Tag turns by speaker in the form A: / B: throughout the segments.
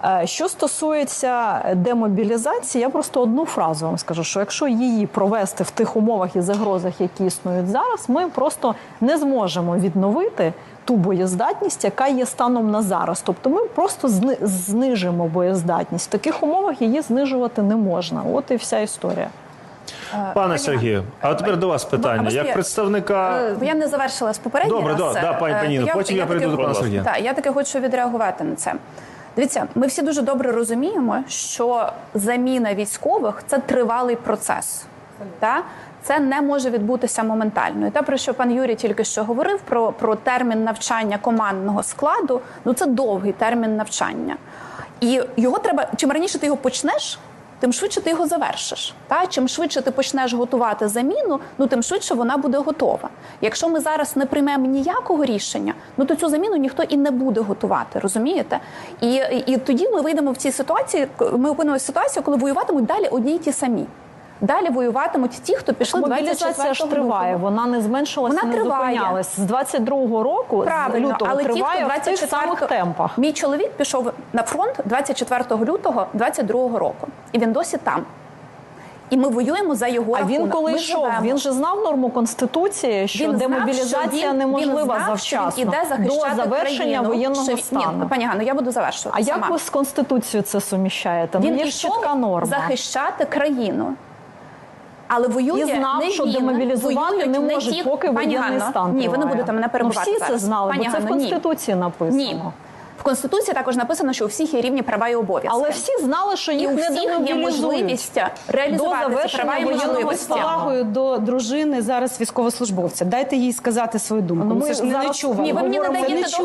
A: Що стосується демобілізації, я просто одну фразу вам скажу, що якщо її провести в тих умовах і загрозах, які існують зараз, ми просто не зможемо відновити ту боєздатність, яка є станом на зараз. Тобто ми просто знижимо боєздатність. В таких умовах її знижувати не можна. От і вся історія.
B: Пане Сергію, а тепер до вас питання. Як представника...
C: Я не завершила з попереднього раз.
B: Добре, пані Ніно, потім я прийду до пана Сергія.
C: Так, я таки хочу відреагувати на це. Дивіться, ми всі дуже добре розуміємо, що заміна військових – це тривалий процес. Так? Це не може відбутися моментально. І те, про що пан Юрій тільки що говорив, про термін навчання командного складу, ну це довгий термін навчання. І його треба, чим раніше ти його почнеш, тим швидше ти його завершиш. Та? Чим швидше ти почнеш готувати заміну, ну тим швидше вона буде готова. Якщо ми зараз не приймемо ніякого рішення, ну то цю заміну ніхто і не буде готувати, розумієте? І тоді ми вийдемо в цій ситуації, ми опинимося в ситуації, коли воюватимуть далі одні й ті самі. Далі воюватимуть ті, хто пішли 24 лютого.
A: Мобілізація ж триває, вона не зменшилася, не зупинялась. З 22-го року,
C: правильно,
A: з лютого,
C: але
A: триває
C: ті, хто
A: в тих самих темпах.
C: Мій чоловік пішов на фронт 24 лютого 22-го року. І він досі там. І ми воюємо за його рахунок.
A: А він коли йшов, він же знав норму Конституції, що демобілізація неможлива завчасно, до завершення воєнного стану.
C: Ні, пані Ганно, я буду завершувати.
A: А як ви з Конституцією це суміщаєте?
C: Він
A: є чітка норма.
C: захищати країну. Але воює
A: і знав,
C: не
A: що
C: він,
A: демобілізувати не можуть, поки воєнний стан триває.
C: Ні, ви не будете мене перебивати.
A: Всі це знали, бо це в Конституції написано.
C: Ні. В Конституції також написано, що у всіх є рівні права і обов'язки.
A: Але всі знали, що їх не демобілізують.
C: є можливість реалізувати ці права і можливості.
D: З повагою до дружини зараз військовослужбовця. Дайте їй сказати свою думку.
A: Ми
D: ж не нечувано.
C: Ні, ви мені не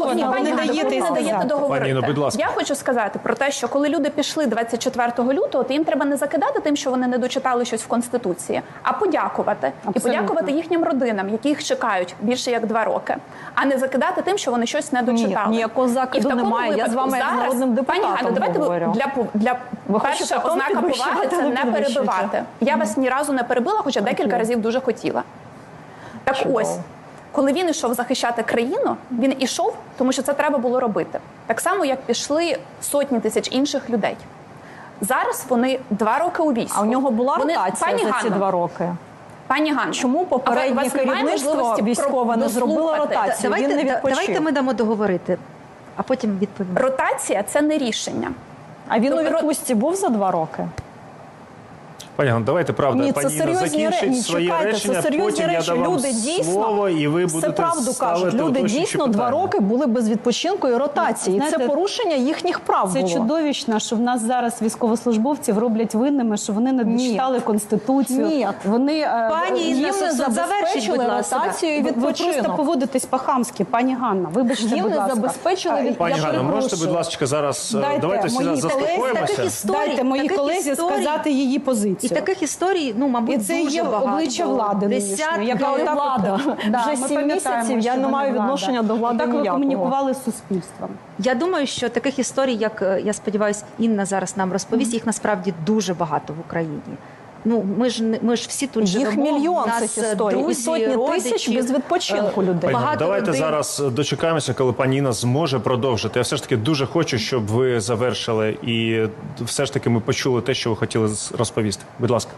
C: даєте договорити.
B: Будь ласка.
C: Я хочу сказати про те, що коли люди пішли 24 лютого, то їм треба не закидати тим, що вони не дочитали щось в Конституції, а подякувати. І подякувати їхнім родинам, які їх чекають більше як 2 роки. А не закидати тим, що вони щось не дочитали.
A: Ні, ніякого закиду немає. Я з вами як народним депутатом говорю.
C: Для перша ознака поваги – це не перебивати. Я вас ні разу не перебила, хоча декілька разів дуже хотіла. Так ось, коли він йшов захищати країну, він ішов, тому що це треба було робити. Так само, як пішли сотні тисяч інших людей. Зараз вони 2 роки у війську.
A: А у нього була ротація за ці 2 роки?
C: Пані Ганно,
A: чому попереднє керівництво військове не зробило ротацію? Він не відпочив.
E: Давайте ми дамо договорити, а потім відповімо.
C: Ротація – це не рішення.
A: А він у відпустці був за 2 роки?
B: Пані Ганно, давайте, правда,
A: Ні,
B: пані Інна закінчить своє речення, потім я дам вам слово, і ви будете
A: все правду кажуть. Люди дійсно 2 роки були без відпочинку і ротації.
D: Знаєте,
A: це порушення їхніх прав було.
D: Це чудовищно, що в нас зараз військовослужбовців роблять винними, що вони не дочитали Конституцію.
A: Ні.
D: Вони,
E: пані Інна,
A: їм не забезпечили ротацію і відпочинок.
D: Ви просто поводитесь по-хамськи, пані Ганна. Вибачте,
A: їм
D: будь
A: не
D: ласка.
A: забезпечили відпочинок.
B: Пані Ганно, можете, будь ласка, зараз, давайте всі заспокоїмося.
D: Дайте моїй колезі сказати її позицію.
E: І таких історій, ну, мабуть,
D: і це
E: дуже
D: є
E: багато.
D: обличчя влади нинішньої, яка
A: Яка влада? Вже 7 місяців я не маю відношення до влади ніякого.
D: Так ви комунікували з суспільством.
E: Я думаю, що таких історій, як, я сподіваюся, Інна зараз нам розповість, їх насправді дуже багато в Україні. Ну, ми ж всі тут живемо.
A: Їх мільйон цих історій. І сотні тисяч без відпочинку людей.
B: Давайте зараз дочекаємося, коли пані Інна зможе продовжити. Я все ж таки дуже хочу, щоб ви завершили і все ж таки ми почули те, що ви хотіли розповісти. Будь ласка.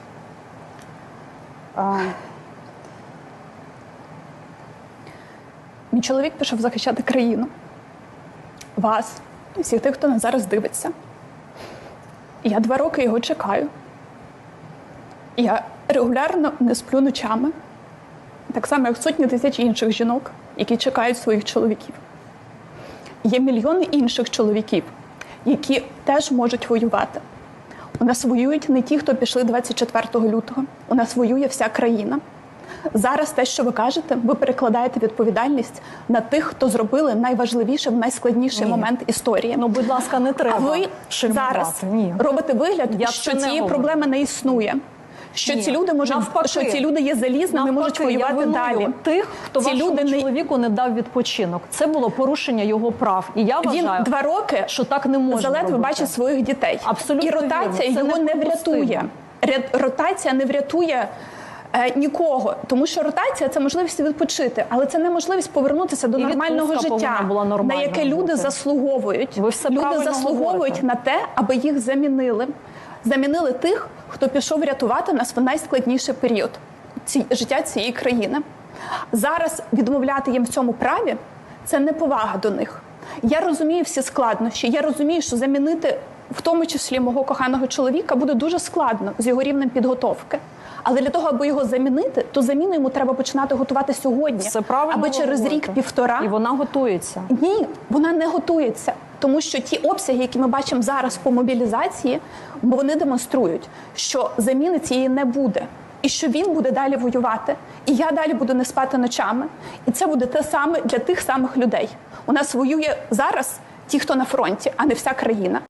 C: Мій чоловік пішов захищати країну. Вас, всіх тих, хто нас зараз дивиться. Я 2 роки його чекаю. Я регулярно не сплю ночами. Так само, як сотні тисяч інших жінок, які чекають своїх чоловіків. Є мільйони інших чоловіків, які теж можуть воювати. У нас воюють не ті, хто пішли 24 лютого. У нас воює вся країна. Зараз те, що ви кажете, ви перекладаєте відповідальність на тих, хто зробили найважливіше в найскладніший момент історії.
A: Ну, будь ласка, не треба.
C: А ви зараз робите вигляд, що цієї проблеми не існує. Що ці люди можуть, що ці люди є залізними, можуть воювати далі.
A: Тих, хто вашому чоловіку не дав відпочинок. Це було порушення його прав. І я вважаю,
C: він 2 роки,
A: що так не можна
C: заледве бачить своїх дітей.
A: Абсолютно
C: і ротація його не врятує. Ротація не врятує Нікого, тому що ротація – це можливість відпочити, але це не можливість повернутися до
A: І
C: нормального
A: відпустка
C: життя,
A: повинна була
C: на
A: нормальною
C: яке люди
A: бути.
C: заслуговують.
A: Ви все
C: Люди
A: правильно
C: заслуговують
A: говорите.
C: на те, аби їх замінили. Замінили тих, хто пішов рятувати нас в найскладніший період життя цієї країни. Зараз відмовляти їм в цьому праві – це неповага до них. Я розумію всі складнощі, я розумію, що замінити в тому числі мого коханого чоловіка буде дуже складно з його рівнем підготовки. Але для того, аби його замінити, то заміну йому треба починати готувати сьогодні,
A: Все правильно
C: аби через
A: говорите.
C: рік-півтора.
A: І вона готується.
C: Ні, вона не готується. Тому що ті обсяги, які ми бачимо зараз по мобілізації, вони демонструють, що заміни цієї не буде. І що він буде далі воювати. І я далі буду не спати ночами. І це буде те саме для тих самих людей. У нас воює зараз ті, хто на фронті, а не вся країна.